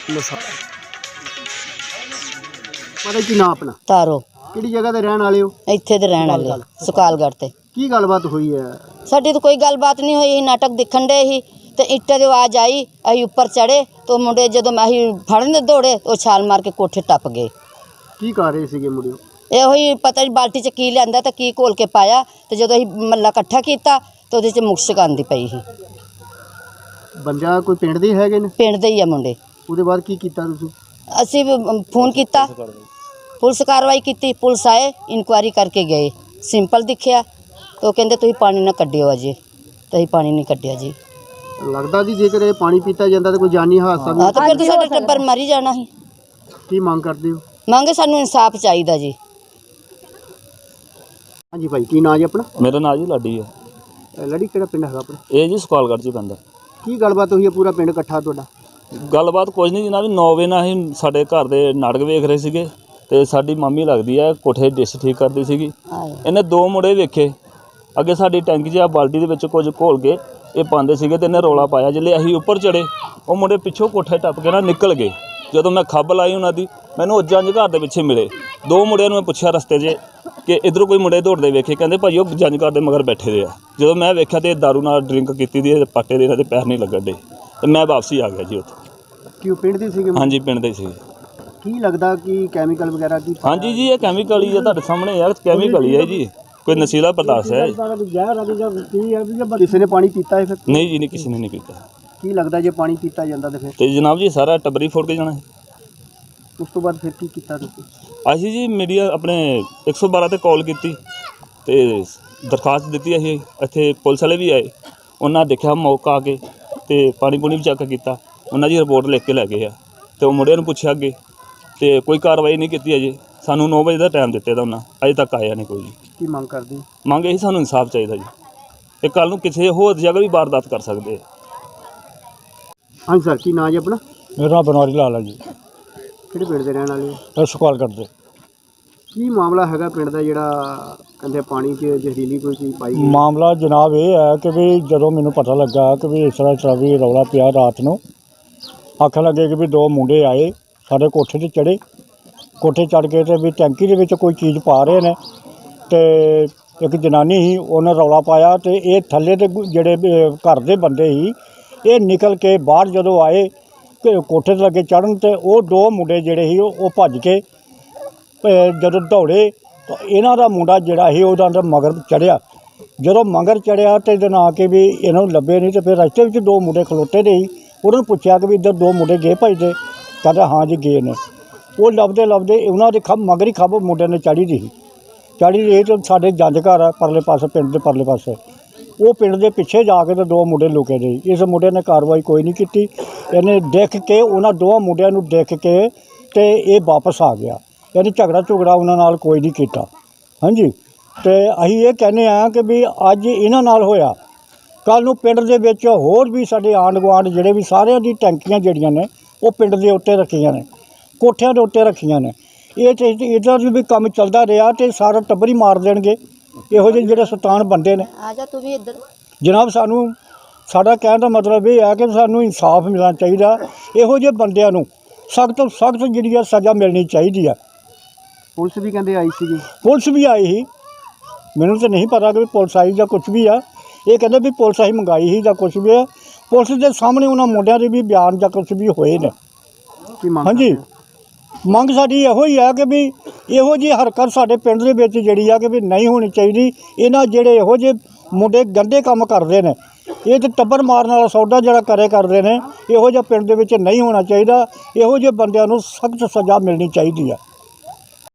ਪਤਾ ਕੀ ਨਾਮ ਆਪਣਾ ਤਾਰੋ ਕਿਹੜੀ ਜਗ੍ਹਾ ਤੇ ਰਹਿਣ ਵਾਲੇ ਹੋ? ਇੱਥੇ ਦੇ ਰਹਿਣ ਵਾਲੇ ਸੁਕਾਲਗੜ੍ਹ ਤੇ। ਕੀ ਗੱਲਬਾਤ ਹੋਈ ਹੈ? ਸਾਡੀ ਤਾਂ ਕੋਈ ਗੱਲਬਾਤ ਨਹੀਂ ਹੋਈ। ਨਾਟਕ ਦੇਖਣ ਦੇ ਹੀ ਤੇ ਇੱਟਾਂ ਦੀ ਆਵਾਜ਼ ਆਈ, ਅਸੀਂ ਉੱਪਰ ਚੜੇ तो मुंडे जो ਅਸੀਂ ਫੜਨ दौड़े तो छाल मार के कोठे टप गए। ਕੀ ਕਰ ਰਹੇ ਸੀਗੇ ਮੁੰਡੇ? ਇਹੋ ਹੀ ਪਤਾ ਨਹੀਂ ਬਾਲਟੀ 'ਚ ਕੀ ਲਿਆਂਦਾ ਤੇ ਕੀ ਘੋਲ ਕੇ ਪਾਇਆ ਤੇ ਜਦੋਂ ਅਸੀਂ ਮੱਲਾ ਇਕੱਠਾ ਕੀਤਾ ਤੇ ਉਹਦੇ 'ਚ ਮੁਸ਼ਕ ਆਉਂਦੀ ਪਈ ਸੀ। ਬੰਦਾ ਕੋਈ ਪਿੰਡ ਦੇ ਹੈਗੇ ਨੇ? ਪਿੰਡ ਦੇ ਹੀ ਆ ਮੁੰਡੇ। ਉਹਦੇ ਬਾਅਦ ਕੀ ਕੀਤਾ ਤੁਸੀਂ? ਅਸੀਂ ਫੋਨ ਕੀਤਾ, ਪੁਲਿਸ ਕਾਰਵਾਈ ਕੀਤੀ, ਪੁਲਿਸ ਆਏ, ਇਨਕੁਆਇਰੀ ਕਰਕੇ ਗਏ। ਸਿੰਪਲ ਦਿਖਿਆ ਤੇ ਉਹ ਕਹਿੰਦੇ ਤੁਸੀਂ ਪਾਣੀ ਨਾ ਕੱਢਿਓ ਅਜੇ, ਤੇ ਅਸੀਂ ਪਾਣੀ ਨਹੀਂ ਕੱਢਿਆ ਜੀ। ਲੱਗਦਾ ਜੀ ਜੇਕਰ ਇਹ ਪਾਣੀ ਪੀਤਾ ਜਾਂਦਾ ਤਾਂ ਕੋਈ ਜਾਨੀ ਹਾਦਸਾ ਵੀ? ਹਾਂ ਤਾਂ ਫਿਰ ਤਾਂ ਸਾਡਾ ਟੱਬਰ ਮਰ ਹੀ ਜਾਣਾ ਸੀ। ਕੀ ਮੰਗ ਕਰਦੇ ਹੋ? ਮੰਗੇ ਸਾਨੂੰ ਇਨਸਾਫ ਚਾਹੀਦਾ ਜੀ। ਹਾਂਜੀ ਭਾਈ, ਕੀ ਨਾਂ ਜੀ ਆਪਣਾ? ਮੇਰਾ ਨਾਂ ਜੀ ਲਾਡੀ ਹੈ। ਲੜੀ ਕਿਹੜਾ ਪਿੰਡ ਹੈਗਾ ਆਪਣਾ? ਇਹ ਜੀ ਸੁਕਾਲਗੜ੍ਹ 'ਚ ਹੀ ਪੈਂਦਾ। ਕੀ ਗੱਲਬਾਤ ਹੋਈ ਹੈ? ਪੂਰਾ ਪਿੰਡ ਇਕੱਠਾ ਤੁਹਾਡਾ? ਗੱਲਬਾਤ ਕੁਝ ਨਹੀਂ ਜਨਾਬ, 9 ਵਜੇ ਨਾਲ ਅਸੀਂ ਸਾਡੇ ਘਰ ਦੇ ਨਾਟਕ ਵੇਖ ਰਹੇ ਸੀਗੇ ਤੇ ਸਾਡੀ ਮਾਮੀ ਲੱਗਦੀ ਹੈ ਕੋਠੇ ਡਿਸ਼ ਠੀਕ ਕਰਦੀ ਸੀਗੀ। ਇਹਨੇ 2 ਮੁੰਡੇ ਵੇਖੇ ਅੱਗੇ ਸਾਡੀ ਟੈਂਕੀ 'ਚ ਆ ਬਾਲਟੀ ਦੇ ਵਿੱਚ ਕੁਝ ਘੋਲ ਕੇ ਇਹ ਪਾਉਂਦੇ ਸੀਗੇ ਤੇ ਇਹਨੇ ਰੌਲਾ ਪਾਇਆ। ਜਿੱਲੇ ਅਸੀਂ ਉੱਪਰ ਚੜੇ ਉਹ ਮੁੰਡੇ ਪਿੱਛੋਂ ਕੋਠੇ ਟੱਪ ਕੇ ਨਾ ਨਿਕਲ ਗਏ। ਜਦੋਂ ਮੈਂ ਖੱਬ ਲਾਈ ਉਹਨਾਂ ਦੀ, ਮੈਨੂੰ ਉਹ ਜੰਝ ਘਰ ਦੇ ਪਿੱਛੇ ਮਿਲੇ। 2 ਮੁੰਡਿਆਂ ਨੂੰ ਮੈਂ ਪੁੱਛਿਆ ਰਸਤੇ 'ਚ ਕਿ ਇੱਧਰੋਂ ਕੋਈ ਮੁੰਡੇ ਦੌੜਦੇ ਵੇਖੇ? ਕਹਿੰਦੇ ਭਾਈ ਉਹ ਜੰਝ ਘਰ ਦੇ ਮਗਰ ਬੈਠੇ ਦੇ ਆ। ਜਦੋਂ ਮੈਂ ਵੇਖਿਆ ਤੇ ਦਾਰੂ ਨਾਲ ਡਰਿੰਕ ਕੀਤੀ ਦੀ ਪਾਟੇ ਦੇ ਇਹਨਾਂ ਦੇ ਪੈਰ ਨਹੀਂ ਲੱਗਣ ਦੇ ਤੇ ਮੈਂ ਵਾਪਸੀ ਆ ਗਿਆ ਜੀ ਉੱਥੇ। ਕਿਉਂ ਪਿੰਡ ਦੇ ਸੀਗੇ? ਹਾਂਜੀ ਪਿੰਡ ਦੇ ਸੀਗੇ। ਕੀ ਲੱਗਦਾ ਕਿ ਕੈਮੀਕਲ ਵਗੈਰਾ ਕੀ? ਹਾਂਜੀ ਜੀ ਇਹ ਕੈਮੀਕਲ ਹੀ ਆ, ਤੁਹਾਡੇ ਸਾਹਮਣੇ ਯਾਰ ਕੈਮੀਕਲ ਹੀ ਹੈ ਜੀ, ਕੋਈ ਨਸ਼ੀਲਾ ਪਦਾਰਥ ਹੈ। ਕਿਸੇ ਨੇ ਪਾਣੀ ਪੀਤਾ ਹੈ ਫਿਰ? ਨਹੀਂ ਜੀ, ਨਹੀਂ ਕਿਸੇ ਨੇ ਨਹੀਂ ਪੀਤਾ। ਕੀ ਲੱਗਦਾ ਜੇ ਪਾਣੀ ਪੀਤਾ ਜਾਂਦਾ ਤਾਂ ਫਿਰ? ਤੇ ਜਨਾਬ ਜੀ ਸਾਰਾ ਟੱਬਰ ਹੀ ਫੁੱਟ ਕੇ ਜਾਣਾ। ਉਸ ਤੋਂ ਬਾਅਦ ਫਿਰ ਕੀ ਕੀਤਾ ਤੁਸੀਂ? ਅਸੀਂ ਜੀ ਮੀਡੀਆ ਆਪਣੇ 112 ਤੇ ਕਾਲ ਕੀਤੀ ਤੇ ਦਰਖਾਸਤ ਦਿੱਤੀ। ਅਸੀਂ ਇੱਥੇ ਪੁਲਿਸ ਵਾਲੇ ਵੀ ਆਏ, ਉਹਨਾਂ ਦੇਖਿਆ ਮੌਕਾ ਆ ਕੇ ਤੇ ਪਾਣੀ ਪੂਣੀ ਵੀ ਚੈੱਕ ਕੀਤਾ। ਉਹਨਾਂ ਦੀ ਰਿਪੋਰਟ ਲਿਖ ਕੇ ਲੈ ਗਏ ਆ ਤੇ ਉਹ ਮੁੰਡਿਆਂ ਨੂੰ ਪੁੱਛਿਆ ਅੱਗੇ ਤੇ ਕੋਈ ਕਾਰਵਾਈ ਨਹੀਂ ਕੀਤੀ ਅਜੇ। ਸਾਨੂੰ 9 ਵਜੇ ਦਾ ਟਾਈਮ ਦਿੱਤੇ ਦਾ ਉਹਨਾਂ, ਅਜੇ ਤੱਕ ਆਇਆ ਨਹੀਂ ਕੋਈ ਜੀ। ਕੀ ਮੰਗ ਕਰਦੇ? ਮੰਗ ਇਹੀ ਸਾਨੂੰ ਇਨਸਾਫ ਚਾਹੀਦਾ ਜੀ। ਇਹ ਕੱਲ੍ਹ ਨੂੰ ਕਿਸੇ ਹੋਰ ਜਗ੍ਹਾ ਵੀ ਵਾਰਦਾਤ ਕਰ ਸਕਦੇ ਆ। ਹਾਂਜੀ ਸਰ, ਕੀ ਨਾਂ ਜੀ ਆਪਣਾ? ਮੇਰਾ ਨਾਮ ਬਨਵਾਰੀ ਲਾਲ ਹੈ ਜੀ। ਕਿਹੜੇ ਪਿੰਡ ਦੇ ਰਹਿਣ ਵਾਲੇ ਹੋ? ਇਹ ਸੁਕਾਲਗੜ੍ਹ ਦੇ। ਕੀ ਮਾਮਲਾ ਹੈਗਾ ਪਿੰਡ ਦਾ ਜਿਹੜਾ ਕਹਿੰਦੇ ਪਾਣੀ 'ਚ ਜ਼ਹਿਰੀਲੀ ਕੋਈ ਚੀਜ਼ ਪਾਈ ਗਈ? ਮਾਮਲਾ ਜਨਾਬ ਇਹ ਹੈ ਕਿ ਵੀ ਜਦੋਂ ਮੈਨੂੰ ਪਤਾ ਲੱਗਾ ਕਿ ਵੀ ਇਸ ਤਰ੍ਹਾਂ ਵੀ ਰੌਲਾ ਪਿਆ ਰਾਤ ਨੂੰ, ਆਖਣ ਲੱਗੇ ਕਿ ਵੀ 2 ਮੁੰਡੇ ਆਏ ਸਾਡੇ ਕੋਠੇ 'ਤੇ ਚੜ੍ਹੇ, ਕੋਠੇ ਚੜ੍ਹ ਕੇ ਤੇ ਵੀ ਟੈਂਕੀ ਦੇ ਵਿੱਚ ਕੋਈ ਚੀਜ਼ ਪਾ ਰਹੇ ਨੇ ਤੇ ਇੱਕ ਜਨਾਨੀ ਸੀ ਉਹਨੇ ਰੌਲਾ ਪਾਇਆ ਤੇ ਇਹ ਥੱਲੇ ਦੇ ਜਿਹੜੇ ਘਰ ਦੇ ਬੰਦੇ ਸੀ ਇਹ ਨਿਕਲ ਕੇ ਬਾਹਰ ਜਦੋਂ ਆਏ ਕੋਠੇ 'ਤੇ ਲੱਗੇ ਚੜ੍ਹਨ ਤੇ ਉਹ 2 ਮੁੰਡੇ ਜਿਹੜੇ ਸੀ ਉਹ ਭੱਜ ਕੇ ਜਦੋਂ ਦੌੜੇ ਤਾਂ ਇਹਨਾਂ ਦਾ ਮੁੰਡਾ ਜਿਹੜਾ ਸੀ ਉਹਦਾ ਅੰਦਰ ਮਗਰ ਚੜ੍ਹਿਆ। ਜਦੋਂ ਮਗਰ ਚੜ੍ਹਿਆ ਤੇ ਇਹਦੇ ਨਾਲ ਕੇ ਵੀ ਇਹਨਾਂ ਨੂੰ ਲੱਭੇ ਨਹੀਂ ਤੇ ਫਿਰ ਰਸਤੇ ਵਿੱਚ 2 ਮੁੰਡੇ ਖਲੋਤੇ ਦੇ ਸੀ। ਉਹਨਾਂ ਨੂੰ ਪੁੱਛਿਆ ਕਿ ਵੀ ਇੱਧਰ 2 ਮੁੰਡੇ ਗਏ ਭੱਜਦੇ? ਕਹਿੰਦਾ ਹਾਂ ਜੀ ਗਏ ਨੇ। ਉਹ ਲੱਭਦੇ ਲੱਭਦੇ ਉਹਨਾਂ ਦੇ ਮਗਰ ਹੀ ਖੱਬ ਮੁੰਡੇ ਨੇ ਚੜ੍ਹੀ ਦੀ ਸੀ। ਚੜ੍ਹੀ ਦੀ ਤੇ ਸਾਡੇ ਜੰਝ ਘਰ ਆ ਪਰਲੇ ਪਾਸੇ, ਪਿੰਡ ਦੇ ਪਰਲੇ ਪਾਸੇ, ਉਹ ਪਿੰਡ ਦੇ ਪਿੱਛੇ ਜਾ ਕੇ ਤੇ 2 ਮੁੰਡੇ ਲੁਕੇ ਦੇ। ਇਸ ਮੁੰਡੇ ਨੇ ਕਾਰਵਾਈ ਕੋਈ ਨਹੀਂ ਕੀਤੀ। ਇਹਨੇ ਦੇਖ ਕੇ ਉਹਨਾਂ 2 ਮੁੰਡਿਆਂ ਨੂੰ ਦੇਖ ਕੇ ਤੇ ਇਹ ਵਾਪਸ ਆ ਗਿਆ। ਯਾਨੀ ਝਗੜਾ ਉਹਨਾਂ ਨਾਲ ਕੋਈ ਨਹੀਂ ਕੀਤਾ। ਹਾਂਜੀ, ਤੇ ਅਸੀਂ ਇਹ ਕਹਿੰਦੇ ਹਾਂ ਕਿ ਵੀ ਅੱਜ ਇਹਨਾਂ ਨਾਲ ਹੋਇਆ, ਕੱਲ੍ਹ ਨੂੰ ਪਿੰਡ ਦੇ ਵਿੱਚ ਹੋਰ ਵੀ ਸਾਡੇ ਆਂਢ ਗੁਆਂਢ ਜਿਹੜੇ ਵੀ ਸਾਰਿਆਂ ਦੀ ਟੈਂਕੀਆਂ ਜਿਹੜੀਆਂ ਨੇ ਉਹ ਪਿੰਡ ਦੇ ਉੱਤੇ ਰੱਖੀਆਂ ਨੇ, ਕੋਠਿਆਂ ਦੇ ਉੱਤੇ ਰੱਖੀਆਂ ਨੇ। ਇਹ ਤੇ ਇੱਦਾਂ ਵੀ ਕੰਮ ਚੱਲਦਾ ਰਿਹਾ ਤੇ ਸਾਰਾ ਟੱਬਰ ਹੀ ਮਾਰ ਦੇਣਗੇ ਇਹੋ ਜਿਹੇ ਜਿਹੜੇ ਸ਼ੈਤਾਨ ਬੰਦੇ ਨੇ। ਆ ਜਾ ਤੂੰ ਵੀ ਇੱਧਰ। ਜਨਾਬ ਸਾਡਾ ਕਹਿਣ ਦਾ ਮਤਲਬ ਇਹ ਹੈ ਕਿ ਸਾਨੂੰ ਇਨਸਾਫ ਮਿਲਣਾ ਚਾਹੀਦਾ। ਇਹੋ ਜਿਹੇ ਬੰਦਿਆਂ ਨੂੰ ਸਖਤ ਤੋਂ ਸਖਤ ਜਿਹੜੀ ਆ ਸਜ਼ਾ ਮਿਲਣੀ ਚਾਹੀਦੀ ਆ। ਪੁਲਿਸ ਵੀ ਕਹਿੰਦੇ ਆਈ ਸੀਗੀ? ਪੁਲਿਸ ਵੀ ਆਈ ਸੀ, ਮੈਨੂੰ ਤਾਂ ਨਹੀਂ ਪਤਾ ਕਿ ਪੁਲਿਸ ਆਈ ਜਾਂ ਕੁਛ ਵੀ ਆ। ਇਹ ਕਹਿੰਦੇ ਵੀ ਪੁਲਿਸ ਅਸੀਂ ਮੰਗਾਈ ਸੀ ਜਾਂ ਕੁਛ ਵੀ ਆ। ਪੁਲਿਸ ਦੇ ਸਾਹਮਣੇ ਉਹਨਾਂ ਮੁੰਡਿਆਂ ਦੇ ਵੀ ਬਿਆਨ ਜਾਂ ਕੁਛ ਵੀ ਹੋਏ ਨੇ। ਹਾਂਜੀ, ਮੰਗ ਸਾਡੀ ਇਹੋ ਹੀ ਆ ਕਿ ਵੀ ਇਹੋ ਜਿਹੀ ਹਰਕਤ ਸਾਡੇ ਪਿੰਡ ਦੇ ਵਿੱਚ ਜਿਹੜੀ ਆ ਕਿ ਵੀ ਨਹੀਂ ਹੋਣੀ ਚਾਹੀਦੀ। ਇਹਨਾਂ ਜਿਹੜੇ ਇਹੋ ਜਿਹੇ ਮੁੰਡੇ ਗੰਦੇ ਕੰਮ ਕਰਦੇ ਨੇ, ਇਹ ਤਾਂ ਟੱਬਰ ਮਾਰਨ ਵਾਲਾ ਸੌਦਾ ਜਿਹੜਾ ਕਰਦੇ ਨੇ, ਇਹੋ ਜਿਹਾ ਪਿੰਡ ਦੇ ਵਿੱਚ ਨਹੀਂ ਹੋਣਾ ਚਾਹੀਦਾ। ਇਹੋ ਜਿਹੇ ਬੰਦਿਆਂ ਨੂੰ ਸਖਤ ਸਜ਼ਾ ਮਿਲਣੀ ਚਾਹੀਦੀ ਆ।